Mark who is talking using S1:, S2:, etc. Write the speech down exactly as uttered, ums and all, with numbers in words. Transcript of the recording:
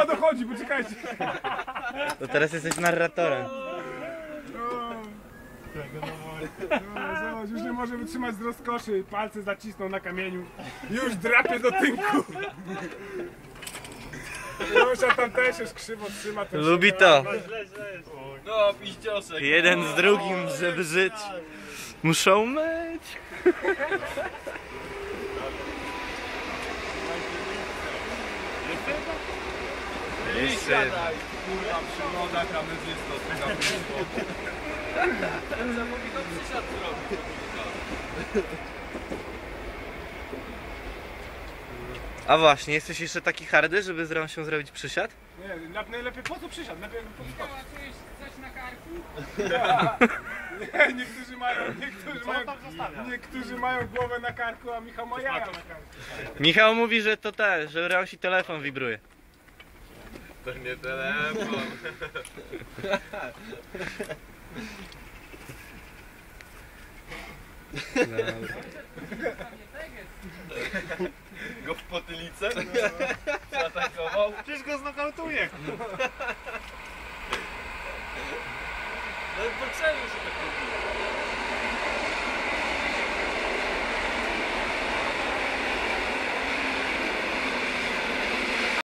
S1: chyba dochodzi, poczekajcie.
S2: To teraz jesteś narratorem.
S1: No, zobacz, już nie może wytrzymać z rozkoszy. Palce zacisnął na kamieniu. Już drapie do tynku. Josia tam też już krzywo trzyma.
S2: Lubi to.
S3: No, piździosek.
S2: Jeden z drugim, żeby żyć, muszą myć. Jeszcze.
S3: Kurwa, przygoda kamerzysto, ty na piętro. Zapominam przysiad zrobić.
S2: A właśnie, jesteś jeszcze taki hardy, żeby z się zrobić przysiad?
S1: Nie, najlepiej po co przysiadł? Lepiej po co
S4: Michała, czujesz coś na karku?
S1: Nie, niektórzy mają, niektórzy mają, niektórzy mają głowę na karku, a Michał ma jaja na karku.
S2: Michał mówi, że to te, że Rosi telefon wibruje.
S3: To nie telefon. Go w potylicę? Zaatakował?
S1: Przecież go znokautuje.
S3: No potrzebny się tak robi.